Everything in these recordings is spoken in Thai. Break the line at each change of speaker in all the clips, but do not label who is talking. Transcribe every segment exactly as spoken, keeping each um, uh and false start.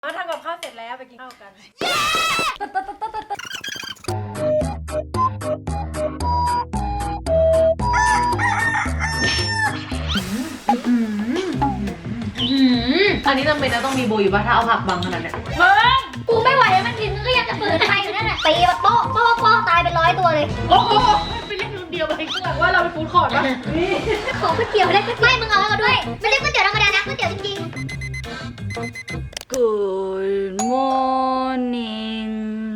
มาทำกับข้าวเสร็จแล้วไปกินข้าวกัน
อันนี้จำเป็นนะต้องมีโบอยู่ป่ะถ้าเอาผักบังขนาดเนี้ย
มึง
กูไม่ไหวแล้วมันกินก็ยังจะฝืนไปอยู่นั่นแหละตีมาโป๊ะโป๊ะโป๊ะตายเป็นร้อยตัวเลย
โอ้โหไปเล่นรุ่นเดียวไปกูบอกว่าเราไปฟู้ดคอร์ทป่ะ
ขอก๋วยเตี๋ยวได้ก๋วยเตี๋ยวไม่มึงเอาแล้วด้วยไม่ได้ก๋วยเตี๋ยวธรรมดานะก๋วยเตี๋ยวจริง
Good morning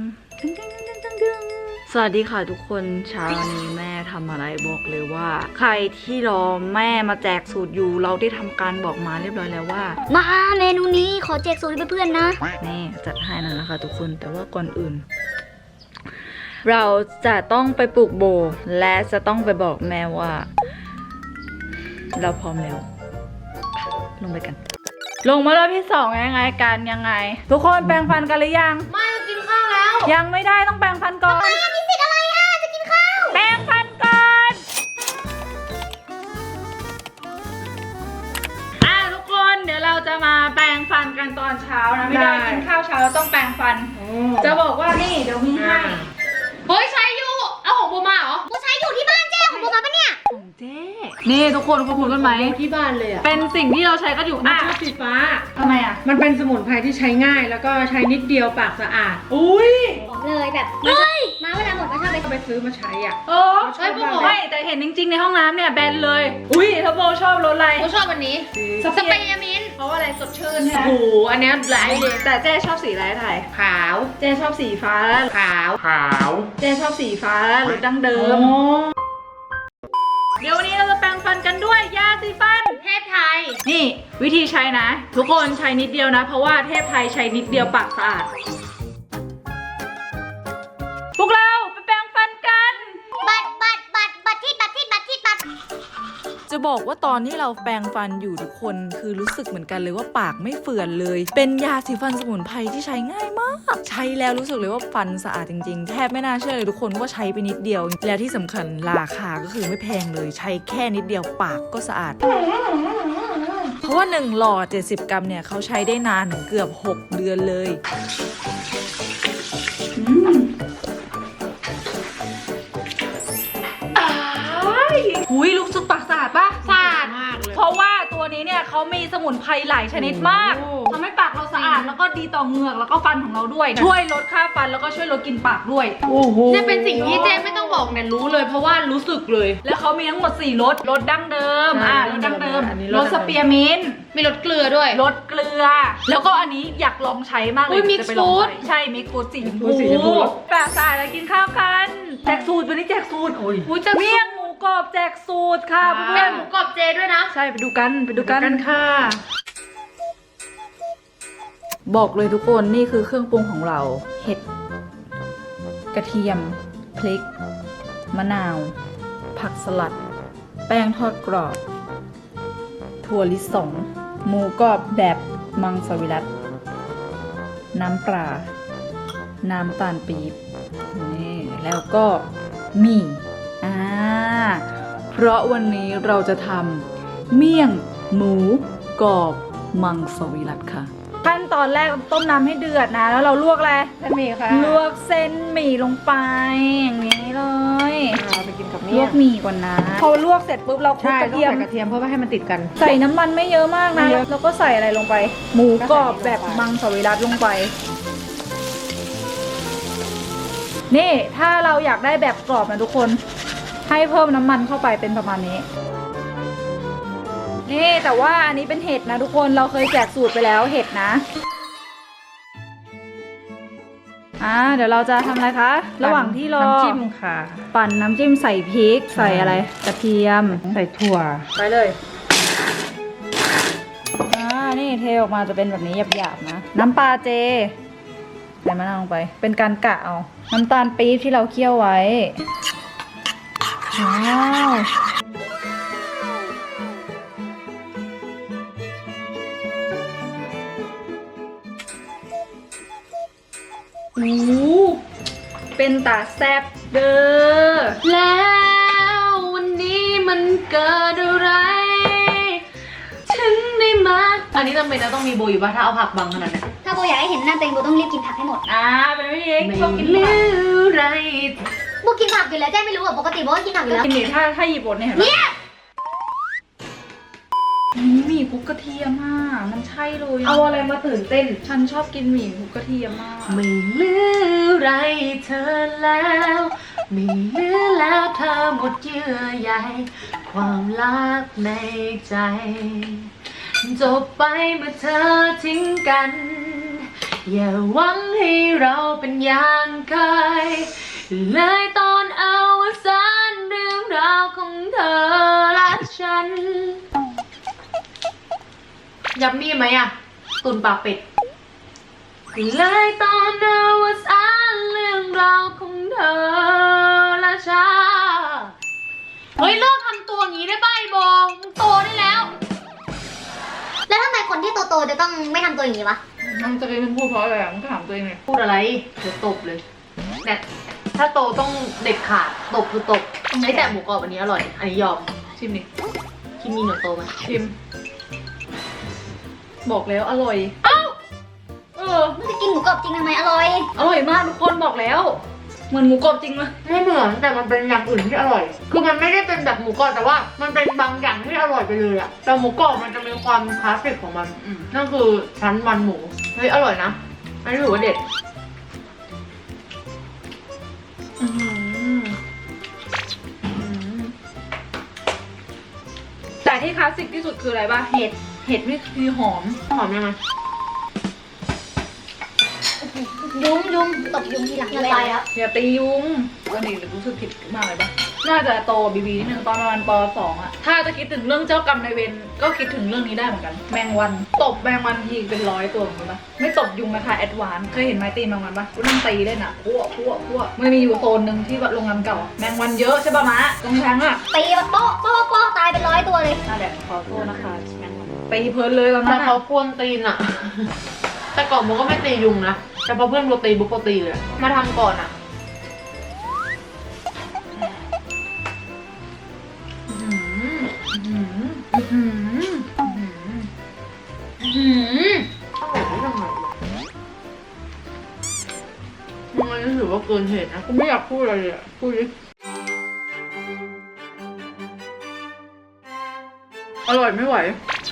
สวัสดีค่ะทุกคนเช้านี้แม่ทำอะไรบอกเลยว่า ใครที่รอแม่มาแจกสูตรอยู่เราได้ทำการบอกมาเรียบร้อยแล้วว่า
ๆมาเมนูนี้ขอแจกสูตรให้เพื่อนๆนะ
นี่จัดให้แล้วนะคะทุกคนแต่ว่าก่อนอื่น เราจะต้องไปปลูกโบและจะต้องไปบอกแม่ว่า เราพร้อมแล้วลงไปกัน ลงมารอบที่สองยังไงกันยังไง ทุกคนแปรงฟันกันหรือยัง
ไม่กินข้าวแล้ว
ยังไม่ได้ต้องแปรงฟันก่อน
มีสิทธิ์อะไรอ่ะจะกินข้าว
แปรงฟันก่อนอ่ะทุกคนเดี๋ยวเราจะมาแปรงฟันกันตอนเช้านะไม่ได้กินข้าวเช้าเราต้องแปรงฟัน จะบอกว่านี่เดี๋ยวมีให้
เฮ้ยใช้อยู่เอาของโบมาเหรอ
กูใช้อยู่ที่บ้านเจ้ของกูมาปะเนี่ย
ของเจ๊นี่ทุกคนคุณรู้ไหม
ที่บ้านเลยอ่ะ
เป็นสิ่งที่เราใช้กันอยู่
มัน
อ่ะ
ชอบสีฟ้า
ทำไมอ่ะ
มันเป็นสมุนไพรที่ใช้ง่าย แล้วก็ใช้นิดเดียวปากสะอาด อุ้ย
บอกเลยแบบมาเวลาหมดมาชอบไป
ไปซื้อมาใช้อ่ะ
เออ
ใช่ปะ
ไม่แต่เห็นจริงๆในห้องน้ำเนี่ยแบนเลย อุ้ยถ้าโบชอบรสอะไร
โบชอบวันนี้
สเปรย์มินเพราะว่าอะไรสดชื่นใช่ไหม
โอ้โหอันเนี้ยหลายเลย
แต่เจ๊ชอบสีอะไรไทย
ขาว
เจ๊ชอบสีฟ้าแล้ว
ขาว
ขาว
เจ๊ชอบสีฟ้าแล้วรสดั้งเดิม เดี๋ยววันนี้เราจะแปรงฟันกันด้วยยาสีฟัน
เทพไทย
นี่วิธีใช้นะ ทุกคนใช้นิดเดียวนะ เพราะว่าเทพไทยใช้นิดเดียวปากสะอาด พวกเราไปแปรงฟันกัน
บัตรบัตรบัตรบัตรที่บัตรที่บัตรที่บัตร
จะบอกว่าตอนที่เราแปรงฟันอยู่ทุกคนคือรู้สึกเหมือนกันเลยว่าปากไม่เฟื่อนเลย เป็นยาสีฟันสมุนไพรที่ใช้ง่ายมาก ใช้แล้วรู้สึกเลยว่าฟันสะอาดจริงๆ แทบไม่น่าเชื่อเลยทุกคนว่าใช้ไปนิดเดียว แล้วที่สำคัญราคาก็คือไม่แพงเลย ใช้แค่นิดเดียวปากก็สะอาด เพราะว่าหนึ่งหลอดเจ็ดสิบกรัมเนี่ยเขาใช้ได้นานถึงเกือบหกเดือนเลยหุยรู้สึกปากสะอาดปะสะอาด
มากเลย
เพราะว่าตัวนี้เนี่ยเขามีสมุนไพรหลายชนิดมาก
โอ้
ทำให้ปากเราสะอาดแล้วก็ดีต่อเหงือกแล้วก็ฟันของเราด้วย ช่วยลดค่าฟันแล้วก็ช่วยลดกลิ่นปากด้วย
โอ้โห
เนี่ยเป็นสิ่งที่เจ๊ไม่ต้องบอกเนี่ยรู้เลยเพราะว่ารู้สึกเลย
แล้วเขามีทั้งหมดสี่รสรสดั้งเดิมอ่ารสดั้งเดิม
อันนี้
รสสเปียร์มินต์
มีรสเกลือด้วย
รสเกลือ แล้วก็อันนี้อยากลองใช้มากเล
อุ๊
ย
ย
จะไปลอง
Mix
ใช้ใช่มิกซ์ฟูดสีชม
ฟูดสีชมพู
พูปากสะอาดแล้วกินข้าวกันแจกสูตรวันนี้แจกสูตร
โอ้ย
อุ้ยจะเมี่ยงหมูกรอบแจกสูตรค่ะเพื่
แม่
อน
หมูกรอบเจด้วยนะ
ใช่ไปดูกันไปดูกัน
กันค่ะ
บอกเลยทุกคนนี่คือเครื่องปรุงของเรา เห็ด กระเทียม พริก มะนาว ผักสลัด แป้งทอดกรอบ ถั่วลิสง หมูกรอบแบบมังสวิรัติ น้ำปลา น้ำตาลปี๊บ นี่แล้วก็หมี่อ่าเพราะวันนี้เราจะทำเมี่ยงหมูกรอบมังสวิรัติค่ะ ขั้นตอนแรกต้มน้ำให้เดือดนะ แล้วเราลวกอะไร
เส้นหมี่ค่ะ
ลวกเส้นหมี่ลงไปอย่างนี้เลย
เอาไปกินกับ
ล
เมี่
วย ก
ง
หมี่ก่อนนะ พอลวกเสร็จปุ๊บเราคลุก
ใช่
กระ
ต้อง
เทียม
ใส่กระเทียมเพื่อไม่ให้มันติดกัน
ใส่น้ำมันไม่เยอะมากนะ
ไม่เยอะ
แล้วก็ใส่อะไรลงไป หมูกรอบแบบมังสวิรัติลงไป นี่ถ้าเราอยากได้แบบกรอบนะทุกคน ให้เพิ่มน้ำมันเข้าไปเป็นประมาณนี้ นี่แต่ว่าอันนี้เป็นเห็ดนะทุกคนเราเคยแจกสูตรไปแล้วเห็ดนะ อ่าเดี๋ยวเราจะทำอะไรคะ ระหว่างที่รอ
น้ำจิ้มค่ะ
ปั่นน้ำจิ้มใส่พริก ใส่อะไรกระเทียม
ใส่ถั่ว
ไปเลย อ่า นี่เทออกมาจะเป็นแบบนี้หยาบๆนะ น้ำปลาเจใส่มะนาวลงไป เป็นการกะเอา น้ำตาลปี๊บที่เราเคี่ยวไว้ ว้าวโอ้โหเป็นตาแซบเด้อ
แล้ววันนี้มันเกิดอะไรฉันได้มาอันนี้จำเป็นนะต้องมีโบอยู่ป่ะถ้าเอาผักบังขนาดเนี้ย
ถ้าาโบอยากให้เห็นหน้าตัวเองโบต้องรีบกินผักให้หมด
อ่าเป็นไม่เอง
ไม่
ชอบกิน
ลื
ผัก
มไร
โบกินผักอยู่แล้วแจ้ไม่รู้อ่ะปกติโบก็กินผักอยู่แล้ว
กินดิถ้าถ้าหยิบบทเนี่ยเห็นปะ
เนี่ย
หมี่คลุกกระเทียมอ่ะมันใช่เลย
เอาอะไรมาตื่นเต้น
ฉันชอบกินหมี่คลุกกระเทียมมาก
ไม่เหลือไรเธอแล้วไม่เหลือแล้วเธอหมดเยื่อใยความรักในใจจบไปเมื่อเธอทิ้งกันอย่าหวังให้เราเป็นอย่างเคยเลยตอนเอาวสานเรื่องราวของเธอและฉันยับมีไหมอะตุนปากเป็ดเลยตอนเอาวสานเรื่องราวของเธอและฉันเฮ้ยเลิกทำตัวอย่างนี้ได้ป่ะไอ้โบมึงโตได้แล้ว
แล้วทำไมคนที่โตๆจะต้องไม่ทำตัวอย่างนี้วะ
มันจะเป็นพูดเพราะอะไรอ่ะมึงถามตัวเองเลย
พูดอะไรเดี๋ยวตบเลยเนี่ยถ้าโตต้องเด็ดขาดตบคือตบไอ้แต่หมูกรอบอันนี้อร่อย อันนี้ยอม
ชิมดิ
คิมมีหนวดโตไหม
ชิม บอกแล้วอร่อยเอ้าเออ
มึงจะกินหมูกรอบจริงทำไมอร่อย
อร่อยมากทุกคนบอกแล้วเหมือนหมูกรอบจริงเลย
ไม่เหมือนแต่มันเป็นอย่างอื่นที่อร่อย คือมันไม่ได้เป็นแบบหมูกรอบแต่ว่า มันเป็นบางอย่างที่อร่อยไปเลยอะแต่หมูกรอบมันจะมีความคลาสสิกของมัน
อืม
นั่นคือชั้นมันหมูเฮ้ยอร่อยนะอันนี้ถือว่าเด็ด
อื้อหืออื้อหือแต่ที่คลาสสิกที่สุดคืออะไรป่ะเห็ดเห็ดนี่คือหอม
หอมยังไง
ยุ้มยุ้มตบยุ้มทีหลังละลายแล้ว
อย่าตียุงวันนี้รู้สึกผิดมากเลยปะน่าจะโตบีบีนิดนึงตอนประมาณปสองอะถ้าจะคิดถึงเรื่องเจ้ากรรมนายเวรก็คิดถึงเรื่องนี้ได้เหมือนกัน แมงวันตบแมงวันทีเป็นร้อยตัวเหมือนกันปะไม่ตบยุงนะคะแอดวานซ์เคยเห็นไม้ตีแมงวันปะกูนั่งตีเล่นอะพวกพวกพวกมันมีอยู่โซนหนึ่งที่แบบโรงงานเก่าอะแมงวันเยอะใช่ปะมะตรงแทงอะ
ตีแบบโป๊ะโป๊ะโป๊ะตายเป็นร้อยตัวเลย
นั่นแหละขอโทษนะคะแมงวันตีเพลินเลยตอน
แต่
นั้น
เขา
อะ
ควรตีนอะ แต่ก่อนโมก็ไม่ตียุงนะ แต่พอเพื่อนโมตีบุ๊กโมตีเลย มาทำก่อนอะ
อื้อหืออื้อหืออื้อหืออื้อหือ
อร่อยได้ยังไงวะมึงอันนี้ถือว่าเกินเหตุนะ
กูไม่อยากพูดอะไรเลยอะพูดดิอร่อยไม่ไหว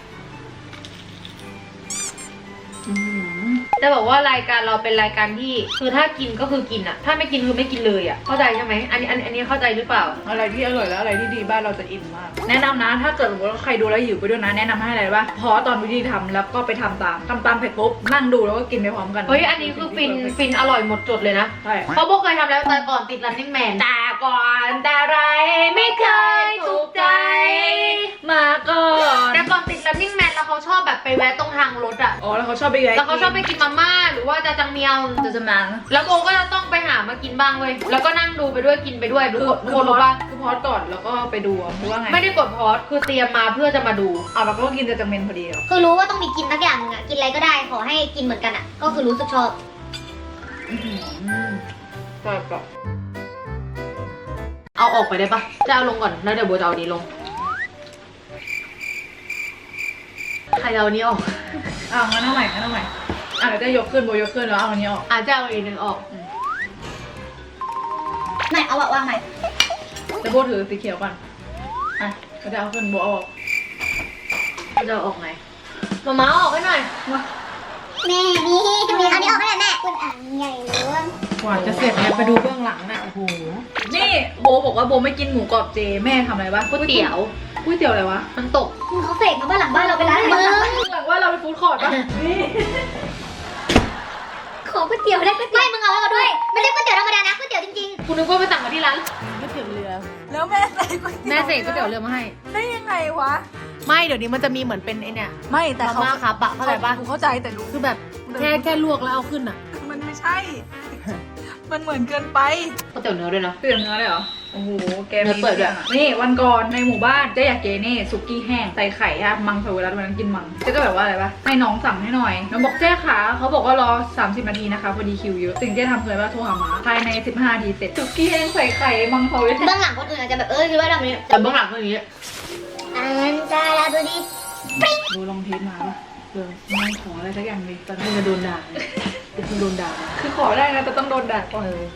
จะบอกว่ารายการเราเป็นรายการที่คือถ้ากินก็คือกินอะถ้าไม่กินคือไม่กินเลยอะเข้าใจใช่ไหมอันนี้อันอันนี้เข้าใจหรือเปล่า
อะไรที่อร่อยและอะไรที่ดีบ้านเราจะอินมาก แนะนำนะถ้าเกิดสมมติว่าใครดูแล้วหิวไปด้วยนะแนะนำให้อะไรบ้างพอตอนวิธีทำแล้วก็ไปทำตามทำตามเสร็จปุ๊บนั่งดูแล้วก็กินไปพร้อมกัน
เฮ้ยอันนี้คือฟินฟินอร่อยหมดจดเลยนะ
ใช่
เพราะโบเคยทำแล้วแต่ก่อนติด running man แต่ก่อนแต่ไรไม่เคยถูกใจ
มาก่อน
แต่ก่อนติด running man แล้วเขาชอบแบบไปแวะตรงทางรถอะ
อ๋อแล้วเขาชอบไปแวะ
แล้วเขาชอบไปกินมาม่าหรือว่าจะจังเมียว
จะจะมา
แล้วโบก็จะต้องไปหามากินบ้างเว้ยแล้วก็นั่งดูไปด้วยกินไปด้วยทุก
คือ
คน
คือ
คน
พอ
รู้
ด
ป่ะ
คือพอดก่อนแล้วก็ไปดูอะหรือว่าไง
ไม่ได้กดพอสคือเตรียมมาเพื่อจะมาดู
อ่ะแล้วก็กินจะจังเมนพอดีเหรอ
คือรู้ว่าต้องมีกินสักอย่างนึงอ่ะ กินอะไรก็ได้ขอให้กินเหมือนกันอ่ะ ก็คือรู้สึกชอบ
อือหือแต่ก็
เอาออกไปได้ปะจะเอาลงก่อนแล้วเดี๋ยวโบจะเอานี้ลงใครจะเอาอันนี้ออก
อ้าวงั้นเอาใหม่งั้นเอาใหม่อ่ะเดี๋ยวจะยกขึ้นโบยกขึ้นแล้วเอาอันนี้ออก
อาจจะเอาอีกหนึ่งออก
ไหนเอาอะวางไหน
เดี๋ยวโบถือสีเขียวก่อนอ่ะก็จะเอาขึ้นโบเอาออก
จะเอาออกไงมาม้าออกให้หน่อย
แม่นี่มีอันนี้ออกให้แม่คุณอ่างใหญ่หรือว่าก
ว่าจะเสร็จเนี่ยไปดูเบื้องหลังน่ะโอ้โหนี่โบบอกว่าโบไม่กินหมูกรอบเจแม่ทำอะไรวะ
ก๋วยเตี๋ยว
ก๋วยเตี๋ยวอะไรวะ
มันตก
มึงเขาเสกมาบ้านหลังบ้านเราไปร้านมึง
หลังว่าเราไปฟู้ดคอร์ทปะนี่
ขอก๋วยเตี๋ยวได้ก๋วยเตี๋ยวไม่มึงเอาให้เราด้วยไม่ใช่ก๋วยเตี๋ยวธรรมดานะก๋วยเตี๋ยวจริง
คุณนึกว่าไปสั่งมาที่ร้าน
ก๋วยเตี๋ยวเรือ แล้วแม่ใส่ก๋วยเตี๋ยว
แม่เสกก๋วยเตี๋ยวเรือมาให้
ได้ยังไงวะ
ไม่เดี๋ยวนี้มันจะมีเหมือนเป็นไอเนี่ย
ไม่แต่
มา
เขา
ม่าครับอะเข้าใจปะ
กูเข้าใจแต่รู้
คือแบบแค่แค่ลวกแล้วเอาขึ้นอะ
มันไม่ใช่ มันเหมือนเกินไป
ก๋วยเตี๋ยวเนื้อด้วยนะ
เปลี่ยนเนื้อเลยเหรอ โอ้โห แก
เนื้อเปิดด้วย
นี่วันก่อนในหมู่บ้านเจ๊อยากเกนี่สุกี้แห้งใส่ไข่อะมังสวิรัตวันนั้นกินมังเจ๊ก็แบบว่าอะไรปะให้น้องสั่งให้หน่อยน้องบอกเจ๊ขาเขาบอกว่ารอสามสิบนาทีนะคะพอดีคิวเยอะสิ่งเจ๊ทำคืออะไรว่าโทรหาหมาภายในสิบห้านาทีเสร็จสุกี้แห้งใส่ไข่มังสวิรั
ๆ
ต
เบื้องหลังคนอื่นอาจจะแบบเออคิดว่าทำนี้
แต่เบื้องหลังคืออย่างนี้
อันจาราบุรี
ดูลองเทสมาปะเออไม่ขออะไรสักอย่างเลยตอน
ให้
นี้
มาโดนด่าเป็นคนโดนด่า
คือขอได้นะแต่ต้องโดนด่าก่อนเลย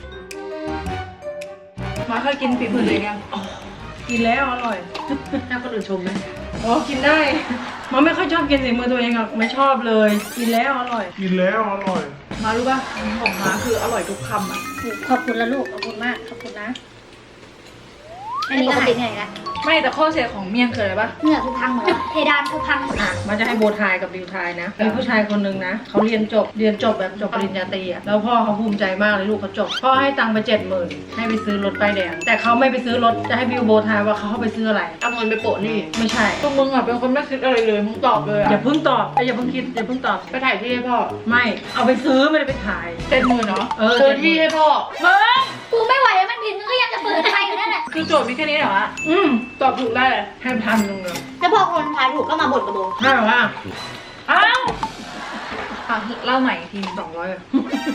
มาเคยกินฝีมือเลยยัง
กินแล้วอร่อยให้คนอื่นชมไหมอ๋อกินได้มันไม่ค่อยชอบกินฝีมือตัวเองอ่ะไม่ชอบเลยกินแล้วอร่อย
กินแล้วอร่อย
มารู้ป่ะของมาคืออร่อยทุกคำอ่ะ
ขอบคุณละลูก ขอบคุณมาก ขอบคุณนะ อันนี้ปกติเหนื่อยละ
ไม่แต่ข้อเสียของเมี่ยงคืออะไรป่ะ
เหงื่อกูพังหมดแล้วเพดานกูพังหมด
อ่ะมันจะให้โบทายกับดิวทายนะมีผู้ชายคนหนึ่งนะเขาเรียนจบเรียนจบแบบจบปริญญาตรีอ่ะแล้วพ่อเขาภูมิใจมากเลยลูกเขาจบพ่อให้ตังค์ไปเจ็ดหมื่นให้ไปซื้อรถป้ายแดงแต่เขาไม่ไปซื้อรถจะให้บิวโบทายว่าเขาเอาไปซื้ออะไร
เอาเงินไปโปะนี่
ไม่ใช่
ตัวมึงอ่ะเป็นคนไม่คิดอะไรเลยมึงตอบเลยอ่ะ
อย่าเพิ่งตอบเอ้ยอย่าเพิ่งคิดอย่าเพิ่งตอบ
ไปถ่ายที่ให้พ่อ
ไม่เอาไปซื้อไม่ได้ไปถ่าย
เจ็ดหมื่นเนาะ
เออ
ซื้อที่ให้พ่อ
มึง
กูไม่ไหวแล้วมันผิดมึงก็ยังจะเปิดไฟอยู่นั่นแหละ
คือโจทย์มีแค่นี้เหรอวะ
อืม
ตอบถูกได้เลย
ให้พันหนึ่งเลย
แล้วพอคนทายถูกก็มาบ่นกับโบ
ให้แบบว่า
อ้าวอ่ะเล่าใหม่อีกที
สองร้อยอะ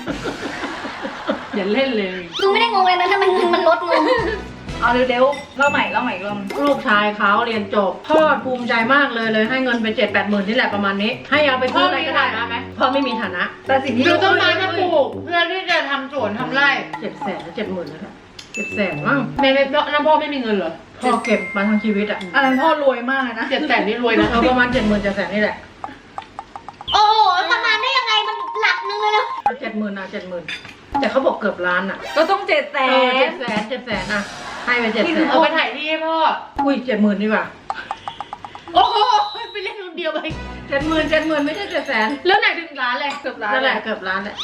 อย่าเล่นเลย
มึงไม่ได้งงเลยนะถ้ามันเงินมันลดงง
เอาเร็วๆเล่าใหม่เล่าใหม่อีกรอบ
ลูกชายเขาเรียนจบพ่อภูมิใจมากเลยเลยให้เงินไปเจ็ดแปดหมื่นนี่แหละประมาณนี้ ให้เอาไปซื้ออะไรก็ได้
พ่อมีฐานะไหม
พ่อไม่มีฐานะ
แต่สิ่งที่
ดูต้นไม้มาปลูกเพื่อที่จะทำสวนทำไร่
เจ็ดแสนเจ็ดหมื่นนะครับเจ็ดแสนมั้ง
แม่ไม่น้ำพ่อไม่มีเงินเหรอ
พ่อเก็บมาทั้งชีวิตอ่ะ
อันนั้นพ่อรวยมากเลยนะ
เจ็ดแสนนี่รวยนะ
เอาประมาณเจ็ดหมื่นเจ็ดแสนนี่แหละ
โอ้โหประมาณได้ยังไงมันหลักนึงเลยนะ
เอาเจ็ดหมื่นอ่ะเจ็ดหมื่นแต่เขาบอกเกือบล้านอ่ะ
ก็ต้องเจ็ดแส
เออเจ็
น
ดแสนเจ็ดแสนอ่ะให้ไปเจ็ดแสน
เอาไปถ่ายที่ให้พ่อ
อุ้ยเจ็ดหมื่นดีกว่า
โอ้โหไปเล่นคนเดียวไป
เจ็ดหมื่นเจ็ดหมื่นไม่ใช่เจ็ดแสน
แล้วไหนถึงร้านเลย
เกือบล้าน
นั่นแหละเกือบล้านแหละ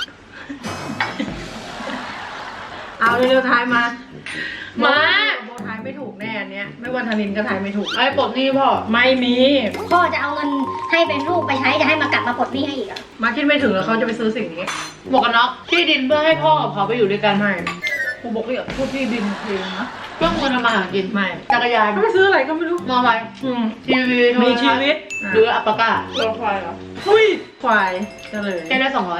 เอาเร็วๆทายมา
มา
โบทายไม่ถูกแน่อันเนี้ยไม่ว่าธนินก็ทายไม่ถูก
ไอ้ปลดหนี่พ่อ
ไม่มี
พ่อจะเอาเงินให้เป็นลูกไปใช้จะให้มากลับมาปลดหนี้ให้อีกเหรอ
มาคิดไม่ถึงแล้วเขาจะไปซื้อสิ่งนี้
หมวกกันน็อกที่ดินเพื่อให้พ่อกับเขาไปอยู่ด้วยกัน
ไม่
กูบอกเลยอ่ะพูดที่ดินเพลงนะ
เพื่อเงินทำมาหากิน
ไม่
จักรยาน
เขาไปซื้ออะไรก็ไม่รู้
มอไซค์
อืม
ทีวี
มีชีวิต
หรืออัปปะก้า
โดนควายเหรอ
อุ้ยควายก็เลย
แค่ได้สองร้อย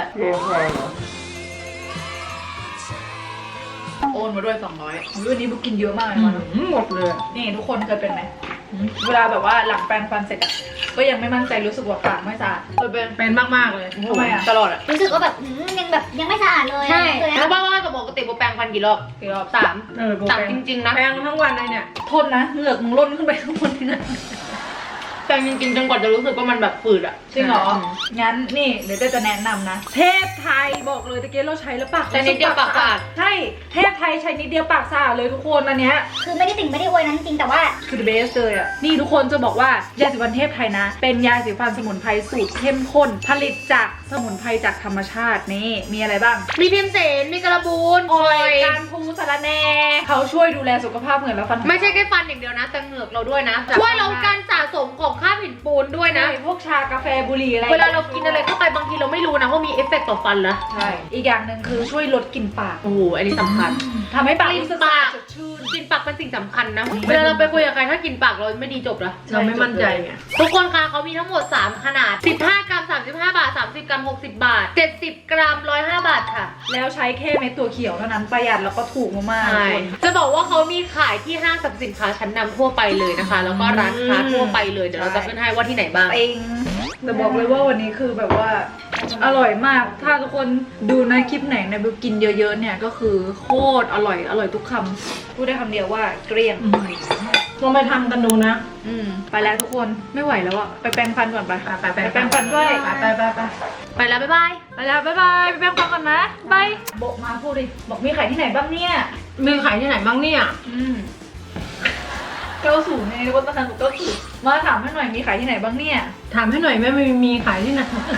โอนมาด้วยสองร้อยวันนี้บุกกินเยอะมากเลย
อื
มัน
มหมดเลย
นี่ทุกคนเคยเป็นไหมเวลาแบบว่าหลังแปรงฟันเสร็จอะก็ยังไม่มั่นใจรู้สึกว่าปากไม่สะอาด
เคยเป็น
เป็นมากๆเลย
ทำไมอะ
ตลอดอะ
รู้สึกว่าแบบอืมยังแบบยังไม่สะอาดเลย
ใช่
เลย
รู้
นะ
ป่าวว่าปกติโบแปรงฟันกี่รอบ
กี่รอบ
สาม
เออโบ
สาม
แปล
จริงๆนะ
แปลงทั้งวันเลยเนี่ย
โทษนะเหงือกมึงล้นขึ้นไปข้างบนที่นั่น
แปรงจริงๆจนกว่าจะรู้สึกว่ามันแบบฝืดอะ
จริงเหรอ
อืม
งั้นนี่เดี๋ยวเจ๊จะแนะนำนะ เทพไทยบอกเลยตะเกียเราใช้แล้วปาก
แต่นิดเดียวปากสะอาด
ใช่ เทพไทยใช้นิดเดียวปากสะอาดเลยทุกคนอันเนี้ย
คือไม่ได้ติ่งไม่ได้อวยนั้นจริงๆแต่ว่า
คือ the best เลยอ่ะ นี่ทุกคนจะบอกว่ายาสีฟันเทพไทยนะ เป็นยาสีฟันสมุนไพรสูตรเข้มข้น ผลิตจากสมุนไพรจากธรรมชาตินี่มีอะไรบ้าง
มีพิมเสนมีกระบูน
ออยการพูสารแหนเขาช่วยดูแลสุขภาพเหมือนและฟันของ
ไม่ใช่แค่ฟันอย่างเดียวนะแต่เหงือกเราด้วยนะช่วยลดการสะสมของค่าบหินปูนด้วยนะ
ใช่พวกชากาแฟบุหรี่อะไร
เวลาเรากินอะไรเข้าไปบางทีเราไม่รู้นะว่ามีเอฟเฟกต์ต่อฟันนะ
ใช่ อีกอย่างหนึ่งคือช่วยลดกลิ่นปาก
โอ้โหอันนี้สำคัญ
ทำให้ปาก
กลิ่น
รู้สึก
ปาก
สดชื่น
กลินปากเป็นสิ่งสำคัญนะ เวลาเราไปคุยกับใครถ้ากลินปากเราไม่ดีจบละ
เราไม่มั่นใจไง
ทุกคนคะเขามีทั้งหมดสามขนาดสิบห้ากรัมสามสิบห้าบาทสามสิบกรัมหกสิบบาทเจ็ดสิบกรัมหนึ่งร้อยห้าบาทค่ะ
แล้วใช้แค่เม็ดตัวเขียวเท่านั้นประหยัดแล้วก็ถูกมากๆ
ใช่
ทุกคน
จะบอกว่าเขามีขายที่ห้างสรรพสินค้าชั้นนำทั่วไปเลยนะคะ แล้วก็ร้านค้าทั่วไปเลย เดี๋ยวเราจะขึ้นให้ว่าที่ไหนบ้าง
เองแต่บอกเลยว่าวันนี้คือแบบว่าอร่อยมาก ถ้าทุกคนดูในคลิปไหนในบิวกินเยอะๆเนี่ยก็คือโคตรอร่อย อร่อยทุกคำพูดได้คำเดียวว่าเกลี้ยง
ลองไปทำกันดูนะ
อืมไปแล้วทุกคนไม่ไหวแล้วอะไปแปรงฟันก่อนไป
ไปไปไป
ไปแปรงฟันด้วย
ไปไปไปไป
ไปแล้วบ๊ายบาย
ไปแล้วบ๊ายบายไปแปรงฟันก่อนนะบายบอกมาพูดดิบอกมีขายที่ไหนบ้างเนี่ย
มีขายที่ไหนบ้างเนี่ย
อืมเก้าสูงไงวันตอนนั้นหนูเก้าสูงมาถามให้หน่อยมีขายที่ไหนบ้างเนี่ย
ถามให้หน่อยแม่มีมีขายที่ไหน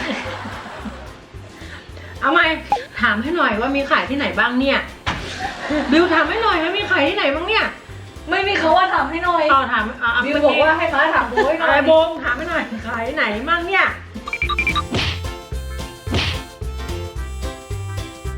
เอาไหมถามให้หน่อยว่ามีขายที่ไหนบ้างเนี่ย บิวถามให้หน่อยว่ามีขายที่ไหนบ้างเนี่ย
ไม่มีเขาว่าถามให้หน่อย
ต่อถามอ่ะ
บิวบอกว่าให้มาถามโบยหน่
อะไร
อย
โบมถามให้หน่อยขายที่ไหนบ้างเนี่ย